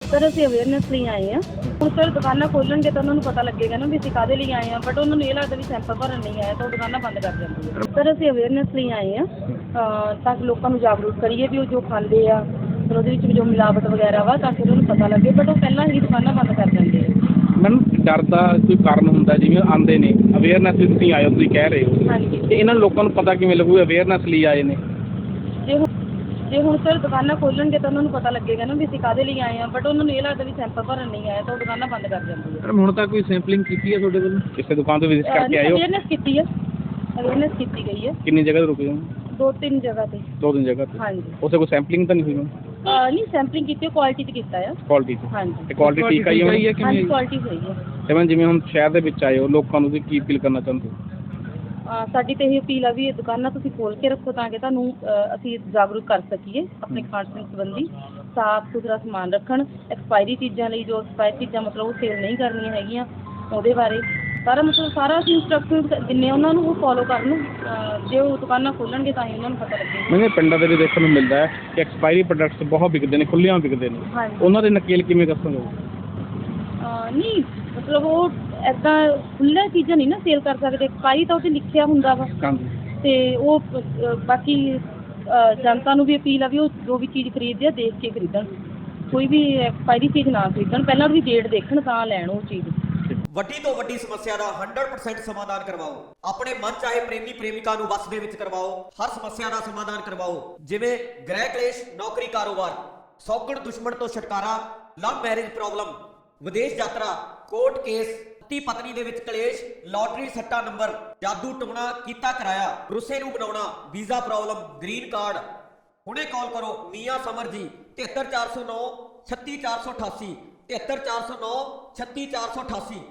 Sir ਅਸੀਂ awareness ਲਈ ਆਏ ਹਾਂ। ਹੁਣ ਸਰ ਦੁਕਾਨਾਂ ਖੋਲਣਗੇ ਤਾਂ ਉਹਨਾਂ ਨੂੰ ਪਤਾ ਲੱਗੇਗਾ ਨਾ ਵੀ ਅਸੀਂ ਕਾਹਦੇ ਲਈ ਆਏ ਹਾਂ, ਬਟ ਉਹਨਾਂ ਨੂੰ ਇਹ ਲੱਗਦਾ ਵੀ ਸੈਂਪਲ ਭਰਨ ਨਹੀਂ ਆਏ ਤਾਂ ਉਹ ਦੁਕਾਨਾਂ ਬੰਦ ਕਰ ਦਿੰਦੇ ਆ। ਸਰ ਅਸੀਂ ਅਵੇਅਰਨੈਸ ਲਈ ਆਏ ਹਾਂ ਤਾਂ ਕਿ ਲੋਕਾਂ ਨੂੰ ਜਾਗਰੂਕ ਕਰੀਏ ਵੀ ਉਹ ਜੋ ਖਾਂਦੇ ਆ ਫਿਰ ਉਹਦੇ ਵਿੱਚ ਵੀ ਜੋ ਮਿਲਾਵਟ ਵਗੈਰਾ ਵਾ ਤਾਂ ਕਿ ਉਹਨਾਂ ਨੂੰ ਪਤਾ ਲੱਗੇ, ਬਟ ਉਹ ਪਹਿਲਾਂ ਹੀ ਦੁਕਾਨਾਂ ਬੰਦ ਕਰ ਦਿੰਦੇ ਆ। ਮੈਮ ਡਰ ਦਾ ਕੋਈ ਕਾਰਨ ਹੁੰਦਾ, ਜਿਵੇਂ ਆਉਂਦੇ ਨੇ ਅਵੇਅਰਨੈਸ ਲਈ ਤੁਸੀਂ ਆਏ ਹੋ, ਤੁਸੀਂ ਕਹਿ ਰਹੇ ਹੋ, ਹਾਂਜੀ। ਤੇ ਇਹਨਾਂ ਲੋਕਾਂ ਨੂੰ ਪਤਾ ਕਿਵੇਂ ਲੱਗੂ ਅਵੇਅਰਨੈਸ ਲਈ ਆਏ ਨੇ? ਜੇ ਹੁਣ ਸਰ ਦੁਕਾਨਾਂ ਖੋਲਣਗੇ ਤਾਂ ਉਹਨਾਂ ਨੂੰ ਪਤਾ ਲੱਗੇਗਾ ਨਾ ਵੀ ਅਸੀਂ ਕਾਹਦੇ ਲਈ ਆਏ ਹਾਂ, ਬਟ ਉਹਨਾਂ ਨੂੰ ਇਹ ਲੱਗਦਾ ਵੀ ਸੈਂਪਲ ਭਰਨ ਨਹੀਂ ਆਏ ਤਾਂ ਉਹ ਦੁਕਾਨਾਂ ਬੰਦ ਕਰ ਦਿੰਦੇ ਆ। ਹੁਣ ਤੱਕ ਕੋਈ ਸੈਂਪਲਿੰਗ ਕੀਤੀ ਹੈ ਤੁਹਾਡੇ ਵੱਲੋਂ? ਕਿਸੇ ਦੁਕਾਨ ਤੋਂ ਵਿਜ਼ਿਟ ਕਰਕੇ ਆਏ ਹੋ? ਅਵੇਅਰਨੈਸ ਕੀਤੀ ਹੈ, ਅਵੇਅਰਨੈਸ ਕੀਤੀ ਗਈ ਹੈ। ਕਿੰਨੀ ਜਗ੍ਹਾ ਤੇ ਰੁਕੇ ਹੋ? 2-3 ਜਗ੍ਹਾ ਤੇ। 2-3 ਜਗ੍ਹਾ ਤੇ? ਹਾਂਜੀ। ਉੱਥੇ ਕੋਈ ਸੈਂਪਲਿੰਗ ਤਾਂ ਨਹੀਂ ਹੋਈ? ਨਹੀਂ ਸੈਂਪਲਿੰਗ ਕੀਤੀ, ਕੁਆਲਿਟੀ 'ਤੇ ਕੀਤਾ ਆ। ਕੁਆਲਿਟੀ 'ਤੇ? ਹਾਂਜੀ। ਤੇ ਕੁਆਲਿਟੀ ਠੀਕ ਆਈ ਹੋਣੀ ਹੈ? ਹਾਂਜੀ ਕੁਆਲਿਟੀ ਸਹੀ ਹੈ। ਤੇ ਮੈਮ ਜਿਵੇਂ ਹੁਣ ਸ਼ਹਿਰ ਦੇ ਵਿੱਚ ਆਏ ਹੋ, ਲੋਕਾਂ ਨੂੰ ਤੁਸੀਂ ਕੀ ਅਪੀਲ ਕਰਨਾ ਚਾਹੁੰਦੇ ਹੋ? ਸਾਡੀ ਤਾਂ ਇਹ ਅਪੀਲ ਆ ਵੀ ਇਹ ਦੁਕਾਨਾਂ ਤੁਸੀਂ ਖੋਲ੍ਹ ਕੇ ਰੱਖੋ ਤਾਂ ਕਿ ਤੁਹਾਨੂੰ ਅਸੀਂ ਜਾਗਰੂਕ ਕਰ ਸਕੀਏ ਆਪਣੇ ਖਾਣ ਪੀਣ ਸੰਬੰਧੀ। ਸਾਫ਼ ਸੁਥਰਾ ਸਮਾਨ ਰੱਖਣ, ਐਕਸਪਾਇਰੀ ਚੀਜ਼ਾਂ ਲਈ ਜੋ ਐਕਸਪਾਇਰੀ ਚੀਜ਼ਾਂ ਮਤਲਬ ਉਹ ਸੇਲ ਨਹੀਂ ਕਰਨੀਆਂ ਹੈਗੀਆਂ, ਉਹਦੇ ਬਾਰੇ ਸਾਰਾ ਅਸੀਂ ਇੰਸਟਰਕਸ਼ਨ ਦਿੰਦੇ ਉਹਨਾਂ ਨੂੰ, ਉਹ ਫੋਲੋ ਕਰਨ। ਜੇ ਉਹ ਦੁਕਾਨਾਂ ਖੋਲ੍ਹਣਗੇ ਤਾਂ ਹੀ ਉਹਨਾਂ ਨੂੰ ਪਤਾ ਲੱਗੇਗਾ। ਮੈਨੂੰ ਪਿੰਡਾਂ ਦੇ ਵੀ ਦੇਖਣ ਨੂੰ ਮਿਲਦਾ ਹੈ ਕਿ ਐਕਸਪਾਇਰੀ ਪ੍ਰੋਡਕਟਸ ਬਹੁਤ ਵਿਕਦੇ ਨੇ, ਖੁੱਲ੍ਹਿਆਂ ਵਿਕਦੇ ਨੇ। ਹਾਂਜੀ। ਉਹਨਾਂ ਦੇ ਨਕੇਲ ਕਿਵੇਂ ਦੱਸੋਗੇ? ਨਹੀਂ ਮਤਲਬ ਉਹ ਇੱਦਾਂ ਖੁੱਲ੍ਹੀਆਂ ਚੀਜ਼ਾਂ ਨਹੀਂ ਨਾ ਸੇਲ ਕਰ ਸਕਦੇ, ਐਕਸਪਾਇਰੀ ਤਾਂ ਉਹ 'ਤੇ ਲਿਖਿਆ ਹੁੰਦਾ ਵਾ। ਅਤੇ ਉਹ ਬਾਕੀ ਜਨਤਾ ਨੂੰ ਵੀ ਅਪੀਲ ਆ ਵੀ ਉਹ ਜੋ ਵੀ ਚੀਜ਼ ਖਰੀਦਦੇ ਆ ਦੇਖ ਕੇ ਖਰੀਦਣ, ਕੋਈ ਵੀ ਐਕਸਪਾਇਰੀ ਚੀਜ਼ ਨਾ ਖਰੀਦਣ, ਪਹਿਲਾਂ ਉਹਦੀ ਡੇਟ ਦੇਖਣ ਤਾਂ ਲੈਣ ਉਹ ਚੀਜ਼। ਵੱਡੀ ਤੋਂ ਵੱਡੀ ਸਮੱਸਿਆ ਦਾ 100% ਸਮਾਧਾਨ ਕਰਵਾਓ। ਆਪਣੇ ਮਨ ਚਾਹੇ ਪ੍ਰੇਮੀ ਪ੍ਰੇਮਿਕਾ ਨੂੰ ਵਸ ਦੇ ਵਿੱਚ ਕਰਵਾਓ। ਹਰ ਸਮੱਸਿਆ ਦਾ ਸਮਾਧਾਨ ਕਰਵਾਓ, ਜਿਵੇਂ ਗ੍ਰਹਿ ਕਲੇਸ਼, ਨੌਕਰੀ, ਕਾਰੋਬਾਰ, ਸੌਗਣ ਦੁਸ਼ਮਣ ਤੋਂ ਛੁਟਕਾਰਾ, ਲਵ ਮੈਰਿਜ ਪ੍ਰੋਬਲਮ, ਵਿਦੇਸ਼ ਯਾਤਰਾ, ਕੋਰਟ ਕੇਸ, ਪਤੀ ਪਤਨੀ ਦੇ ਵਿੱਚ ਕਲੇਸ਼, ਲਾਟਰੀ ਸੱਟਾ ਨੰਬਰ, ਜਾਦੂ ਟੋਣਾ ਕੀਤਾ ਕਰਾਇਆ, ਰੁੱਸੇ ਨੂੰ ਬਣਾਉਣਾ, ਵੀਜ਼ਾ ਪ੍ਰੋਬਲਮ, ਗ੍ਰੀਨ ਕਾਰਡ। ਹੁਣੇ ਕਾਲ ਕਰੋ ਮੀਆਂ ਸਮਰ ਜੀ 73409 36488 73409 36488।